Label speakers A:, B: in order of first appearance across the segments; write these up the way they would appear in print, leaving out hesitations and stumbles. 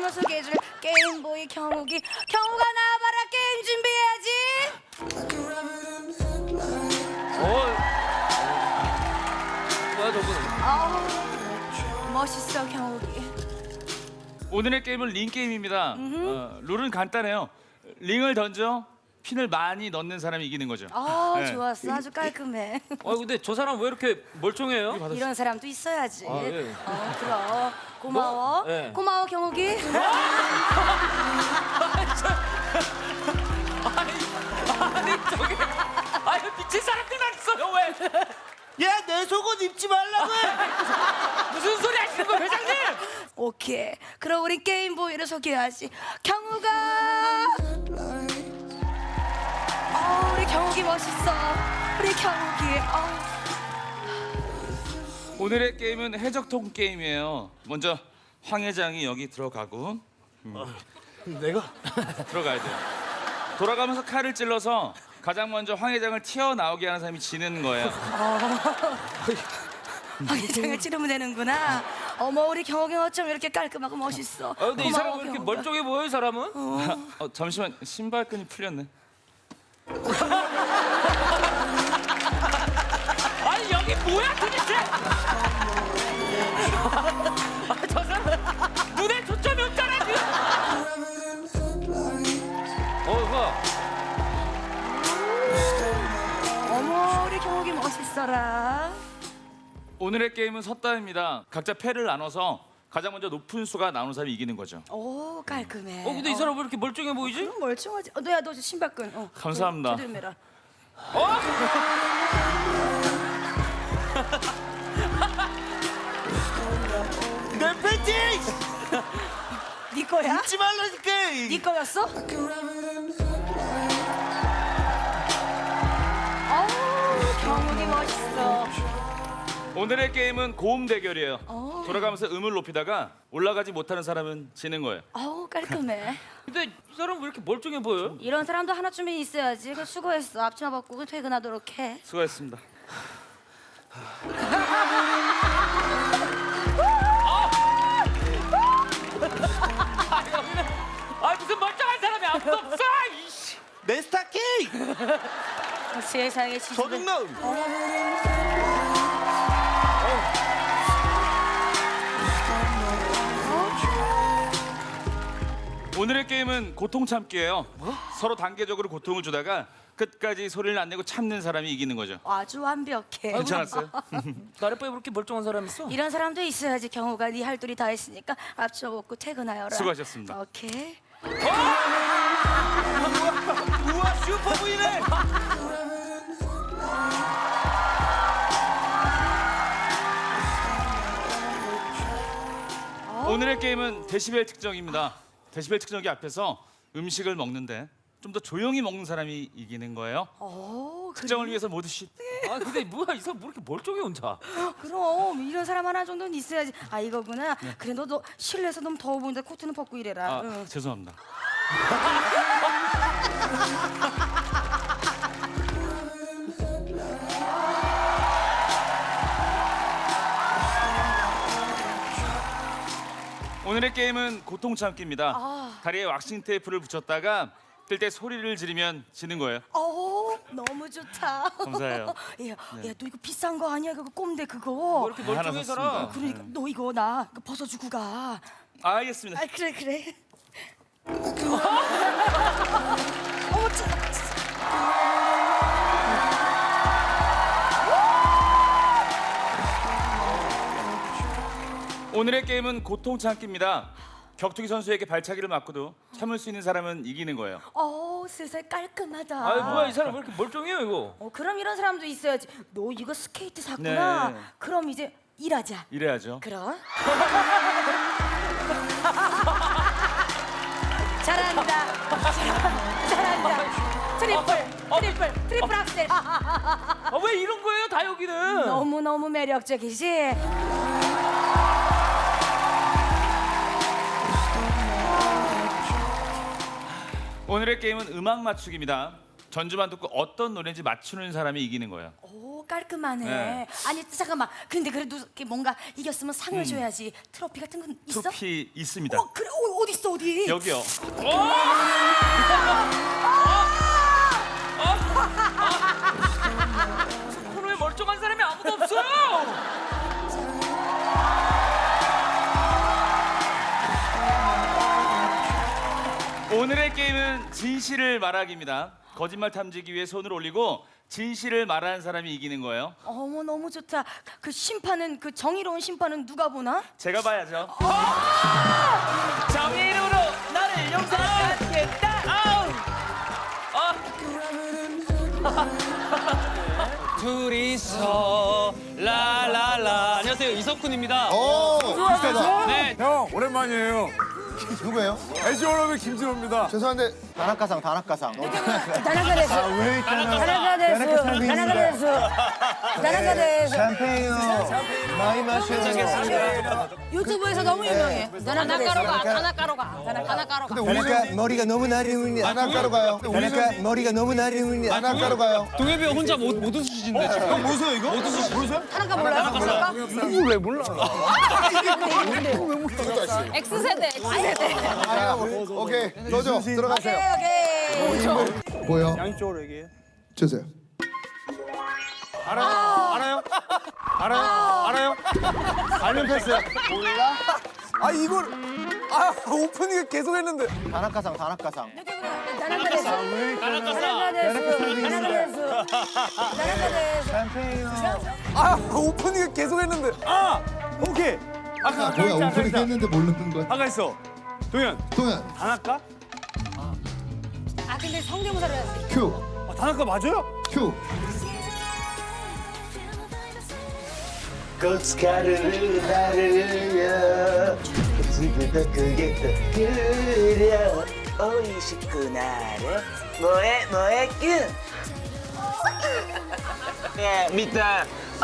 A: 경우가 소개해줄 게임보이 경욱이. 경우가 나와봐라. 게임 준비해야지.
B: 뭐야 저거는?
A: 멋있어 경욱이.
C: 오늘의 게임은 링 게임입니다. 룰은 간단해요. 링을 던져 핀을 많이 넣는 사람이 이기는 거죠. 네.
A: 좋았어. 아주 깔끔해.
B: 근데 저 사람 왜 이렇게 멀쩡해요?
A: 이런 사람도 있어야지.
B: 예.
A: 그럼 고마워.
B: 예.
A: 고마워 경욱이.
B: 아니 미친 사람들 있어요 왜?
D: 야, 내 속옷 입지 말라고 해.
B: 무슨 소리 하시는 거예요 회장님?
A: 오케이. 그럼 우리 게임보이를 소개하지. 경욱아. 우리 경욱이 멋있어. 우리 경욱이.
C: 오늘의 게임은 해적통 게임이에요. 먼저 황 회장이 여기 들어가고
D: 내가?
C: 들어가야 돼요. 돌아가면서 칼을 찔러서 가장 먼저 황 회장을 튀어나오게 하는 사람이 지는 거예요.
A: 회장을 찌르면 되는구나. 어머 우리 경욱이 어쩜 이렇게 깔끔하고 멋있어.
B: 근데 이 사람 왜 이렇게
A: 경욱아.
B: 멀쩡해 보여 이 사람은?
C: 잠시만 신발끈이 풀렸네.
B: 아니 여기 뭐야 도대체? 저 사람 눈에 초점이 없잖아 지금. 이거
A: 어머 우리 경욱이 멋있어라.
C: 오늘의 게임은 섰다입니다. 각자 패를 나눠서 가장 먼저 높은 수가 나오는 사람이 이기는 거죠.
A: 오 깔끔해.
B: 근데 이 사람 왜 이렇게 멀쩡해 보이지?
A: 그럼 멀쩡하지. 너야 너 신발끈.
C: 감사합니다.
A: 조심해라.
D: 내 팬티
A: 네 거야?
D: 입지 말라니까.
A: 네 거였어? 경욱이 멋있어.
C: 오늘의 게임은 고음 대결이에요. 돌아가면서 음을 높이다가 올라가지 못하는 사람은 지는 거예요.
A: 깔끔해.
B: 근데 이 사람 왜 이렇게 멀쩡해 보여요?
A: 이런 사람도 하나쯤은 있어야지. 그 수고했어. 앞치마 벗고 퇴근하도록 해.
C: 수고하셨습니다.
B: 무슨 멀쩡한 사람이 아무도 없어! 이씨.
D: 내 스타킹.
A: 세상에 지지를.
D: 도둑놈.
C: 오늘의 게임은 고통 참기예요. 서로 단계적으로 고통을 주다가 끝까지 소리를 안 내고 참는 사람이 이기는 거죠.
A: 아주 완벽해.
C: 괜찮았어요?
B: 나래빠에 왜 이렇게 멀쩡한 사람 있어?
A: 이런 사람도 있어야지. 경우가 네 할 둘이 다 했으니까 앞치마 벗고 퇴근하여라.
C: 수고하셨습니다.
A: 오케이.
D: 우와, 슈퍼부이네.
C: 오늘의 게임은 데시벨 측정입니다. 데시벨 측정기 앞에서 음식을 먹는데 좀 더 조용히 먹는 사람이 이기는 거예요. 측정을 위해서 모두 쉿.
B: 근데 뭐야 이 사람 왜 이렇게 멀쩡해 혼자?
A: 그럼 이런 사람 하나 정도는 있어야지. 이거구나. 그래 너 실내에서 너무 더워 보이는데 코트는 벗고 이래라.
C: 죄송합니다. 오늘의 게임은 고통 참기입니다. 다리에 왁싱 테이프를 붙였다가 뜰 때 소리를 지르면 지는 거예요.
A: 너무 좋다.
C: 감사해요.
A: 야, 너 이거 비싼 거 아니야? 그거 꼼대 그거.
B: 뭐 이렇게 멀쩡해
C: 하나
B: 살아?
C: 샀습니다.
A: 그러니까 너 이거 나 이거 벗어주고 가.
C: 알겠습니다.
A: 그래. 어머
C: 오늘의 게임은 고통 참기입니다. 격투기 선수에게 발차기를 맞고도 참을 수 있는 사람은 이기는 거예요.
A: 세상 깔끔하다.
B: 뭐야 이 사람 왜 이렇게 멀쩡해요 이거?
A: 그럼 이런 사람도 있어야지. 너 이거 스케이트 샀구나.
C: 네.
A: 그럼 이제 일하자.
C: 이래야죠.
A: 그럼. 잘한다. 잘한다. 트리플 악셀.
B: 왜 이런 거예요 다 여기는?
A: 너무 매력적이지.
C: 오늘의 게임은 음악 맞추기입니다. 전주만 듣고 어떤 노래인지 맞추는 사람이 이기는 거예요.
A: 깔끔하네.
C: 네.
A: 아니 잠깐만. 근데 그래도 이렇게 뭔가 이겼으면 상을 줘야지. 트로피 같은 건 있어?
C: 트로피 있습니다.
A: 그래. 어디 있어 어디?
C: 여기요.
B: 코너에 멀쩡한 사람이 아무도 없어요.
C: 오늘의 게임은 진실을 말하기입니다. 거짓말 탐지기 위해 손을 올리고 진실을 말하는 사람이 이기는 거예요.
A: 어머 너무 좋다. 그 심판은 그 정의로운 심판은 누가 보나?
C: 제가 봐야죠.
B: 정의로로 나를 용서하겠다. 아우. 둘이서 라라라. 안녕하세요, 이석훈입니다.
E: 오, 비슷하다.
B: 네,
F: 형 오랜만이에요.
E: 누구예요?
F: 애쉬오러의 김진호입니다.
E: 죄송한데
G: 다나카상.
A: 다나카 데스. 다나카 데스. 다나카 데스.
G: 샴페인요. 많이 마셔요.
A: 유튜브에서 너무 유명해. 다나카로가.
E: 근데 우리는
G: 머리가 너무 나리운이야.
E: 안학가로 가요.
G: 다나카 머리가 너무 나리운이야.
E: 안학가로 가요.
B: 동엽이 형 혼자 못 웃으시는데 지금.
E: 형 보세요 이거? 보세요?
A: 다나카 몰라요? 다나카?
F: 이걸 왜 몰라?
A: X세대.
E: 아, 오케이 넣어줘 들어가세요.
A: 오케이.
E: 보여.
F: 양쪽으로 얘기해.
E: 주세요.
F: 알아요?
E: 알면 패스.
F: 아 이걸 오프닝에 계속 했는데.
G: 다나카상.
A: 다나카 데스. 다나카 데스.
G: 샴페인요.
F: 오프닝에 계속 했는데. 오케이.
E: 아 뭐야 오프닝 했는데 모르는 거야.
F: 아까 있어. 동현.
E: 동현
F: 다나카?
A: 아 근데 성대모사를 해야지.
E: 큐
F: 다나카 맞아요?
E: 큐.
G: 고춧가루를 나르려 지금도 그게 또 그려 오이시구나래 뭐해 뀨 야 미타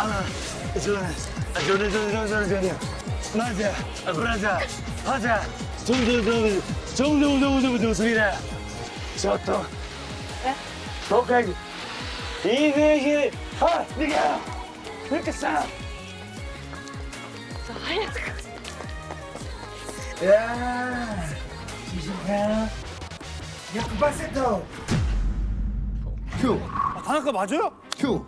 G: 저는 맞아 하자 정도 소리라 저또 독하기 이대희 네가 그렇게 싸 야, 지신가?
E: 큐.
F: 다나카 맞아요?
E: 큐.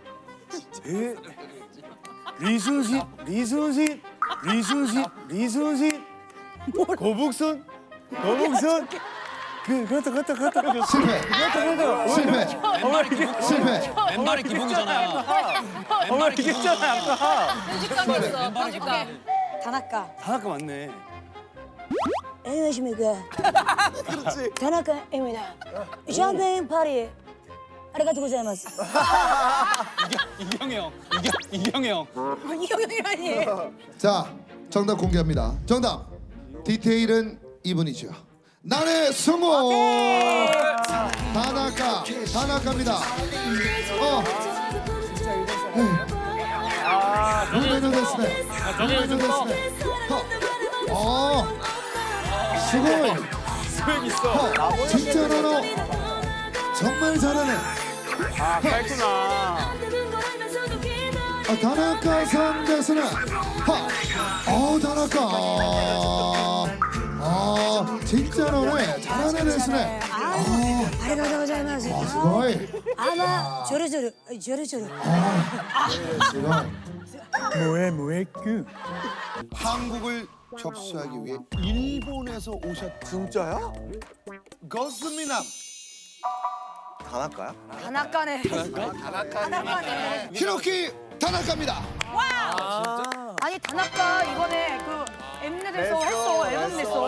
F: 리순신 거북선 그렇다
E: 실패.
B: 왼발이 기복이잖아.
F: 왜 얘기했잖아 아까
A: 편집감. 다나카.
F: 다나카 맞네
A: 안녕하십니까. 다나카입니다. 샴페인 파리. 아리가토 고자이마스.
B: 이경이 형. 이경이 형.
A: 이경영이라니.
E: 자 정답 공개합니다. 정답 디테일은 이분이죠. 나의 성공. 다나카입니다. 루베노 데스네. 수고이.
F: 스펙 있어
E: 진짜 너 정말 잘하네.
F: 그랬구나
E: 다나카 상대수는 다나카. 진짜 너네 잘하네 데스네.
A: 아리가토 고자이마스.
E: 수고이.
A: 아마 조르조르.
F: 뭐해
E: 한국을 접수하기 위해 일본에서 오셨.
F: 진짜야?
E: 거스미남
G: 다나카야?
A: 다나카네. 다나카네.
E: 히로키 다나카입니다.
A: 아니 다나카 이번에 그 엠넷에서 했어. 앨범 냈어.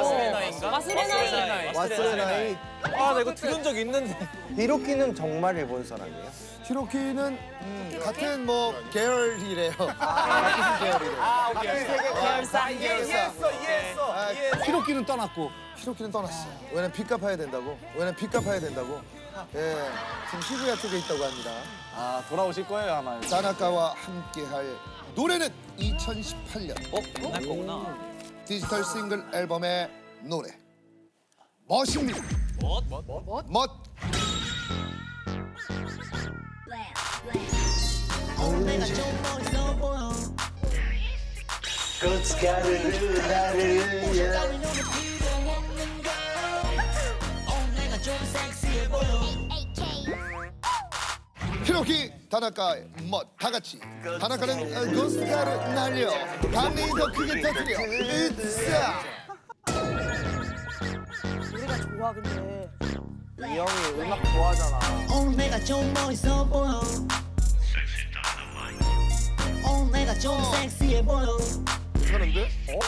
G: 와스레나이.
F: 나 이거 들은 적 있는데
G: 히로키는 정말 일본 사람이에요?
E: 히로키는 같은 뭐 계열이래요. 같은 계열이래.
F: 이해했어
E: 히로키는 떠났고. 히로키는 떠났어. 왜냐면 빚 갚아야 된다고. 예, 지금 시부야 쪽에 있다고 합니다.
F: 돌아오실 거예요 아마
E: 다나카와 함께할 노래는 2018년
B: 날 거구나.
E: 디지털 싱글 앨범의 노래 멋입니다. 멋.
G: 고춧가루를 나르려
E: 히로키 다나카의 멋다 같이 다나카는 고스카를 날려 밤이 더 크게 터뜨려 으쌰.
A: 노래가 좋아 근데.
G: 이 형이 음악 좋아하잖아.
H: 오늘 내가 좀 멋있어 보여. 오늘 내가 좀 섹시해 보여.
E: 괜찮은데?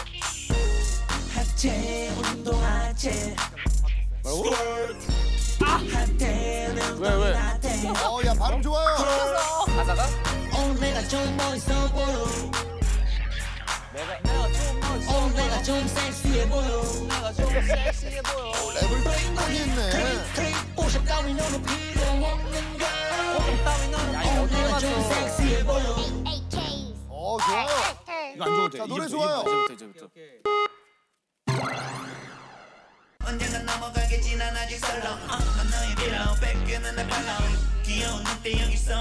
H: 하체 운동 하체. 핫해는
F: 왜?
H: 핫해.
E: 야 발음 좋아요.
F: 가사가?
H: 오늘 내가 좀 멋있어 보여. 오늘 내가 좀 섹시해 보여.
E: 랩을 땡하게 했네.
H: 오샵 따윈 너는 필요 없는 걸. 오늘 내가 좀 섹시해 보여.
E: 좋아요.
D: 이거 안 좋을 때.
E: 자, 노래 좋아요.
D: 이제부터.
H: 언젠가 넘어가게 지난 아직 설렁. 난 너의 빌어 뺏기는 내 발로. 귀여운 늑대 여기 있어.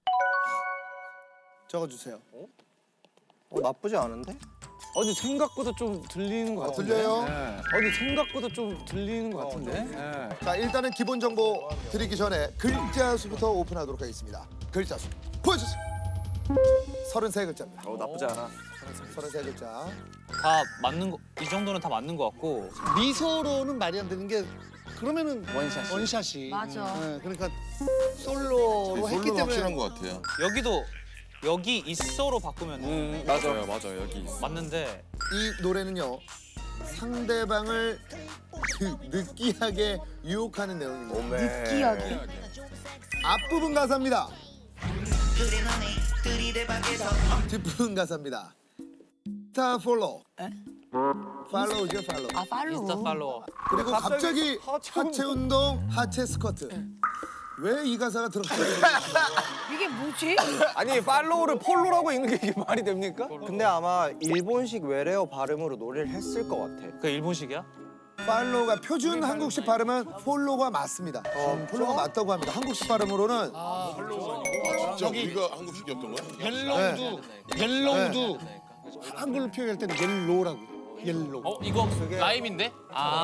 E: 적어주세요.
G: 나쁘지 않은데?
F: 아니 생각보다 좀 들리는 것 같은데.
E: 들려요?
F: 아니 생각보다 좀 들리는 것 같은데. 네.
E: 자 일단은 기본 정보 드리기 전에 글자 수부터 오픈하도록 하겠습니다. 글자 수 보여주세요. 33글자입니다.
F: 나쁘지 않아.
E: 33글자.
I: 다 맞는 거, 이 정도는 다 맞는 것 같고.
D: 미소로는 말이 안 되는 게 그러면은 원샷이.
A: 맞아.
D: 그러니까 솔로로 했기 때문에
J: 것 같아요.
I: 여기도 여기 있어로 바꾸면
F: 맞아요. 여기 있어.
I: 맞는데
E: 이 노래는요 상대방을 느끼하게 유혹하는 내용입니다.
A: 느끼하게.
E: 앞부분 가사입니다.
H: 그래 너네 들이대박에서.
E: 뒷부분 가사입니다. 스타 폴로. 팔로우죠 팔로우.
A: 아 팔로우.
I: 인스타 팔로워.
E: 그리고 갑자기 하체 운동, 하체 스쿼트. 왜 이 가사가 들어가요?
A: 이게 뭐지?
F: 아니 팔로우를 폴로라고 읽는 게 이게 말이 됩니까?
G: 근데 아마 일본식 외래어 발음으로 노래를 했을 것 같아.
I: 그 일본식이야?
E: 팔로우가 표준 한국식 발음은 폴로가 맞습니다. 폴로가 맞다고 합니다. 한국식 발음으로는
J: 저기 우리가 한국식이었던 거야?
D: 옐로우도 한글로 표현할 때는 옐로우라고. 옐로우.
B: 이거 라임인데?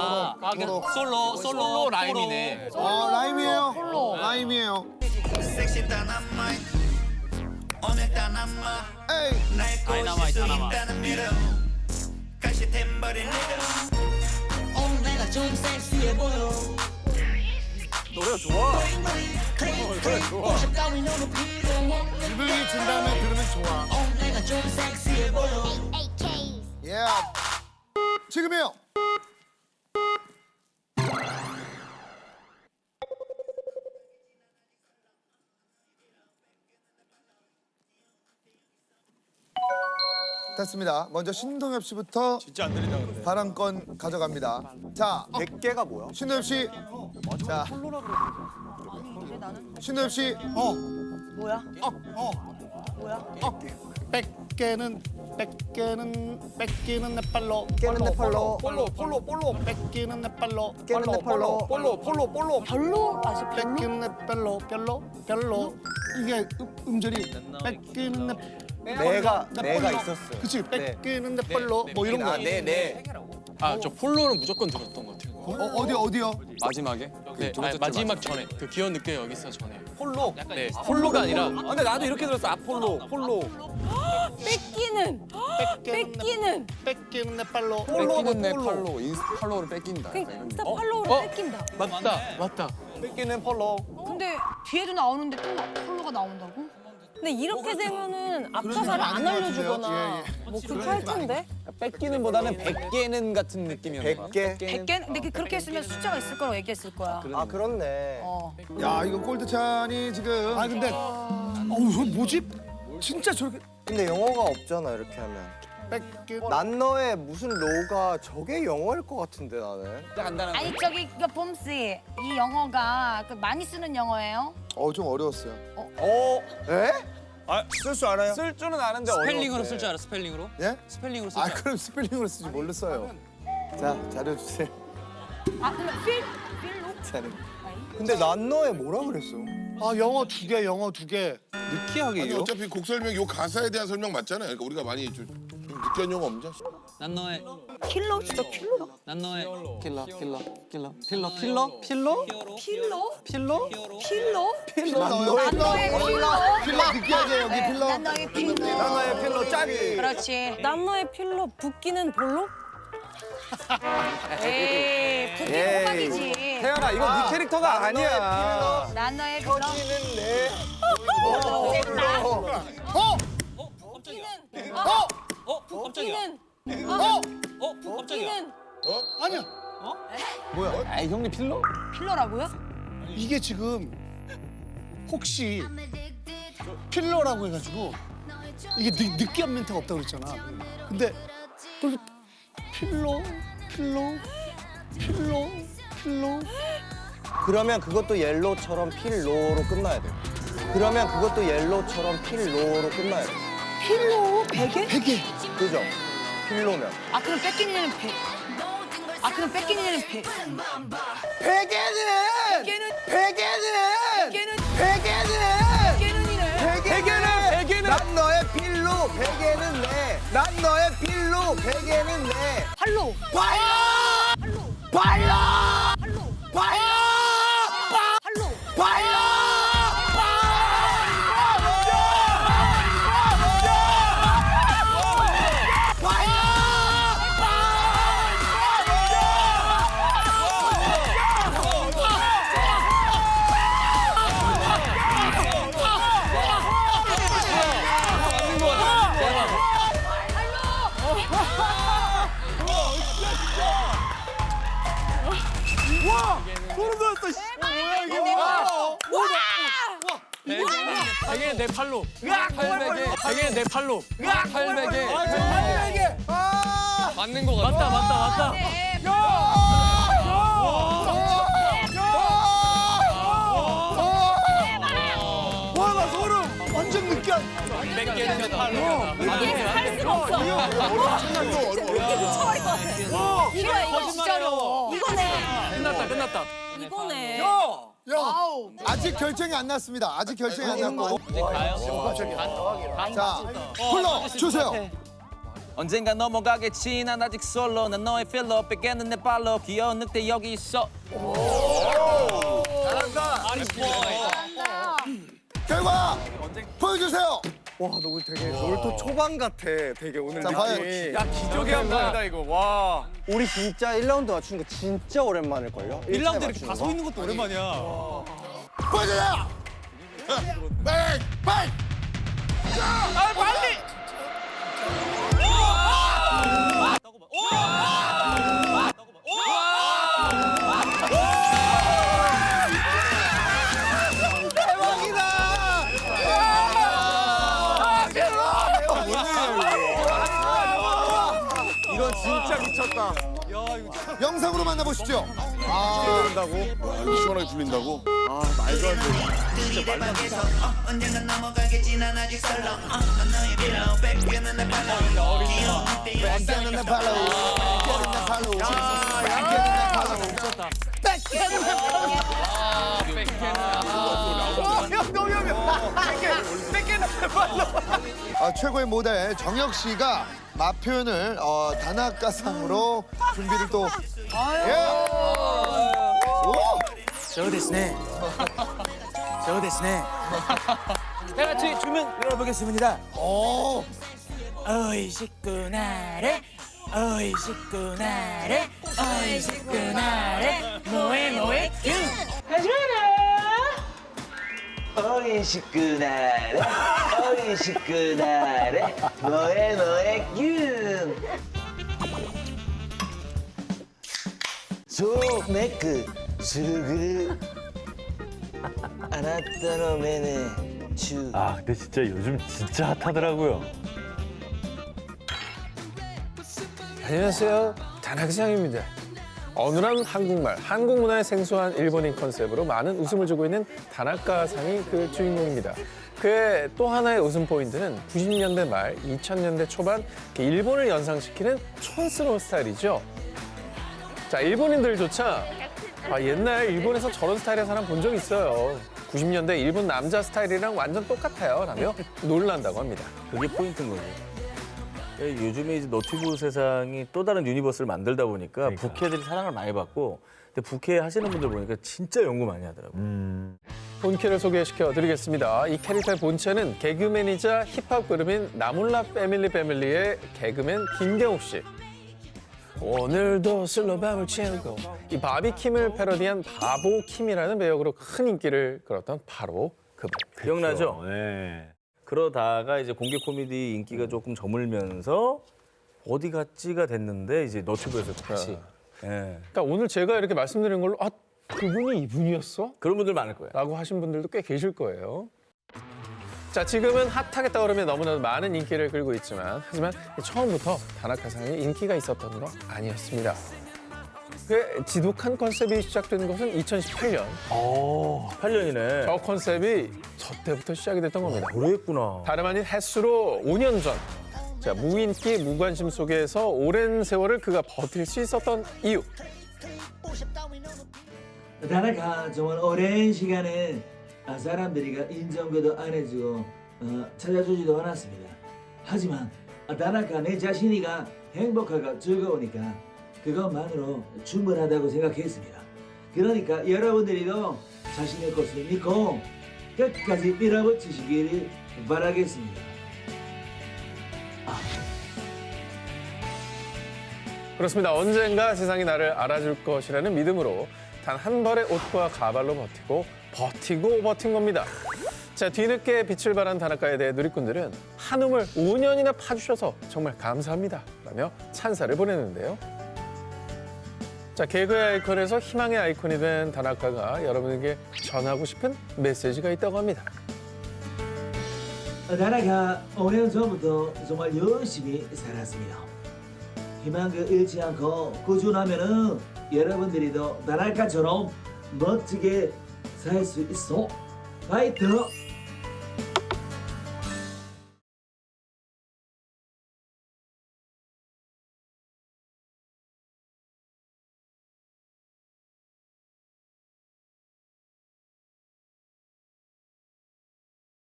B: 솔로 라임이네.
E: 라임이에요. 라임이에요.
H: 섹시 다나마이. 오늘 다나마.
E: 에이.
H: 날 꼬실 수
B: 다이나마이트.
H: 있다는 믿음. 가시 템버린 리듬. 오늘 내가 좀 섹시해 보여.
F: 노래가 좋아.
H: 노래 좋아. 오샵 따윈 너는 필요 없는 걸.
D: 기분이 진 다음에 들으면 좋아.
H: 오늘 내가 좀 섹시해 보여.
E: 예. 지금이요. 됐습니다. 먼저 신동엽 씨부터
D: 진짜 안 들린다 그러네.
E: 발언권 가져갑니다. 자,
G: 100개가 뭐야?
E: 신동엽 씨. 자, 신동엽 씨.
A: 뭐야? 뭐야?
D: 뺏기는 내 팔로.
G: 깨는 내 팔로.
F: 폴로.
D: 뺏기는 내 팔로.
G: 깨는 내 팔로.
F: 폴로.
A: 별로? 아시 별로?
D: 뺏기는 내 별로. 이게 음절이 뺏기는
G: 내가
D: 팔로.
G: 있었어요.
D: 그치 뺏기는 내 팔로 뭐 이런 거.
F: 네.
B: 저 폴로는 무조건 들었던 것 같아요.
E: 어디요?
B: 마지막에? 네, 마지막 전에. 그 귀여운 늑대 여기 있어 전에.
F: 폴로.
B: 네, 폴로가 아니라
F: 근데 나도 이렇게 들었어. 폴로.
A: 뺏기는
D: 뺏기는 내 팔로.
F: 폴로는 내
J: 팔로 팔로우를 뺏긴다.
A: 인스타 팔로우를 뺏긴다.
B: 맞다.
F: 뺏기는 폴로.
A: 근데 뒤에도 나오는데 또 팔로우가 나온다고? 근데 이렇게 되면은 앞가사를 안 알려주거나 뭐 그렇게 할 텐데.
F: 뺏기는보다는 100개는 같은 느낌이었나 봐.
G: 100개?
A: 100개? 근데 그렇게 했으면 숫자가 있을 거라고 얘기했을 거야.
G: 아 그렇네.
E: 야, 이거 골드찬이 지금.
D: 아 근데 이거 뭐지? 진짜 저렇게
G: 근데 영어가 없잖아 이렇게 하면.
D: 뺏기.
G: 난 너의 무슨 로가 저게 영어일 것 같은데 나는.
A: 아니 저기 그 봄씨 이 영어가 그 많이 쓰는 영어예요?
E: 좀 어려웠어요.
G: 에? 쓸 줄 알아요?
F: 쓸 줄은 아는데
B: 스펠링으로
F: 어려운데.
B: 쓸 줄 알아? 스펠링으로?
E: 예?
B: 스펠링으로 쓸
E: 아,
B: 줄 알아?
E: 그럼 스펠링으로 쓰지 뭘로 써요? 자, 자료 주세요.
A: 아 그럼 필로?
E: 자료.
G: 근데 난 너의 뭐라 그랬어?
D: 영어 두 개.
F: 느끼하게
J: 아니 어차피 곡 설명 요 가사에 대한 설명 맞잖아요. 그러니까 우리가 많이 좀 느끼한 용어 없냐?
B: 난 너의
A: 킬러 진짜 킬러?
I: 난 너의
F: 필러.
A: 필러?
F: 필러?
A: 필러?
E: 필러 넣어요.
A: 난 너의 필러.
E: 필러 느끼하게 여기 필러.
A: 난 너의 필러.
G: 난 너의 필로 짝이.
A: 그렇지. 난 너의 필러 붓기는 볼로? 에이, 붓기 호박이지.
F: 태연아, 이거 네 캐릭터가 아니야.
A: 난 너의 필러.
G: 는 내.
I: 깜짝이야.
A: 붓기는
E: 아니야.
F: 아, 형님 필러?
A: 필러라고요?
D: 이게 지금 혹시 필러라고 해가지고 이게 느끼한 멘트가 없다고 그랬잖아. 근데 또 필러.
G: 그러면 그것도 옐로우처럼 필로로 끝나야 돼. 그러면 그것도 옐로우처럼 필로로 끝나야 돼.
A: 필러? 베개?
G: 그죠? 필로면.
A: 아, 그럼 뺏기는 배. 아, 그럼 뺏기는 배.
G: 베개는!
A: 베개는
G: 베개는! 난 너의 필로, 베개는 내. 난 너의 필로, 베개는 내.
A: 팔로.
I: 베개는 내 팔로. 베개는 내 팔로. 팔베개. 맞는 거 같아. 맞다.
D: 와, 나 소름. 완전 느끼한.
I: 베개는 내 팔로.
A: 할 수가 없어. 미쳐버릴 것 같아. 이거 진짜 어려워. 이거네.
I: 끝났다.
A: 이거네.
E: 와우. 아직 결정이 안 났습니다. 아직 결정이 안 났고.
I: 이제 가요?
E: 자, 불러 주세요.
I: 언젠가 넘어가겠지. 난 아직 솔로. 난 너의 필러. 베개는 내 발로. 귀여운 늑대 여기 있어.
G: 잘한다.
E: 결과 보여주세요.
G: 와, 너 오늘 되게 놀토 초반 같아. 되게 오늘
E: 자,
G: 느낌이.
F: 야, 기적의 한 번이다, 이거. 와.
G: 우리 진짜 1라운드 맞추는 거 진짜 오랜만일걸요?
F: 1라운드 이렇게 다 서 있는 것도 오랜만이야.
E: 보여주세요. 빨리.
G: 이건 진짜 미쳤다.
E: 영상으로 만나보시죠.
G: 그런다고?
J: 이거 시원하게 들린다고?
G: 아, 말도 안 돼.
H: 들이대박에서 언젠가 넘어가겠지 난 아직 설렁 난 너의 필러 뺏기는 내 팔로 귀여운 늑대
E: 뺏기는 내 팔로. 최고의 모델 정혁 씨가 맛 표현을 다나카상으로 준비를 또. 예.
B: 저 됐네. 다 같이 주문 열어보겠습니다.
E: 오.
B: 어이 식구나래 어이 식구나래 어이 식구나래 뭐해 균
H: 어이 식구나래 어이 식구나래 너의 균 소매크 수그르 아나타노 메네 주
K: 아, 근데 진짜 요즘 진짜 핫하더라고요.
L: 안녕하세요. 다나카상입니다. 어눌한 한국말, 한국 문화의 생소한 일본인 컨셉으로 많은 웃음을 주고 있는 다나카상이 그 주인공입니다. 그의 또 하나의 웃음 포인트는 90년대 말, 2000년대 초반 일본을 연상시키는 촌스러운 스타일이죠. 자, 일본인들조차 옛날 일본에서 저런 스타일의 사람 본 적 있어요. 90년대 일본 남자 스타일이랑 완전 똑같아요 라며 놀란다고 합니다.
K: 그게 포인트인 거죠. 요즘에 이제 너튜브 세상이 또 다른 유니버스를 만들다 보니까 부캐들이 사랑을 많이 받고 근데 부캐 하시는 분들 보니까 진짜 연구 많이 하더라고요.
L: 본캐를 소개시켜 드리겠습니다. 이 캐릭터의 본체는 개그맨이자 힙합 그룹인 나몰라 패밀리의 개그맨 김경욱 씨. 오늘도 술로 밤을 채우고 이 바비킴을 패러디한 바보 킴이라는 배역으로 큰 인기를 끌었던 바로 그분.
K: 기억나죠?
F: 네.
K: 그러다가 이제 공개 코미디 인기가 조금 저물면서 어디 갔지가 됐는데 이제 너튜브에서 다시. 예.
L: 그러니까 오늘 제가 이렇게 말씀드린 걸로 아 그분이 이분이었어?
K: 그런 분들 많을 거예요.
L: 라고 하신 분들도 꽤 계실 거예요. 자, 지금은 핫하게 떠오르며 너무나도 많은 인기를 끌고 있지만 하지만 처음부터 다나카상이 인기가 있었던 건 아니었습니다. 그 지독한 컨셉이 시작된 것은 2018년.
K: 8년이네.
L: 저 컨셉이 저 때부터 시작이 됐던 겁니다.
K: 그랬구나.
L: 다름 아닌 햇수로 5년 전. 자, 무인기, 무관심 속에서 오랜 세월을 그가 버틸 수 있었던 이유.
M: 다나카 정말 오랜 시간에 사람들이 인정도 안 해주고 찾아주지도 않았습니다. 하지만 다나카 내 자신이가 행복하고 즐거우니까 그것만으로 충분하다고 생각했습니다. 그러니까 여러분들이도 자신의 것을 믿고 끝까지 밀어붙이시기를 바라겠습니다.
L: 그렇습니다. 언젠가 세상이 나를 알아줄 것이라는 믿음으로 단 한 벌의 옷과 가발로 버틴 겁니다. 자, 뒤늦게 빛을 발한 다나카에 대해 누리꾼들은 한움을 5년이나 파주셔서 정말 감사합니다 라며 찬사를 보내는데요. 자, 개그의 아이콘에서 희망의 아이콘이 된 다나카가 여러분에게 전하고 싶은 메시지가 있다고 합니다.
M: 다나카 5년 전부터 정말 열심히 살았습니다. 희망을 잃지 않고 꾸준하면은 여러분들이도 다나카처럼 멋지게 살 수 있어. 파이터!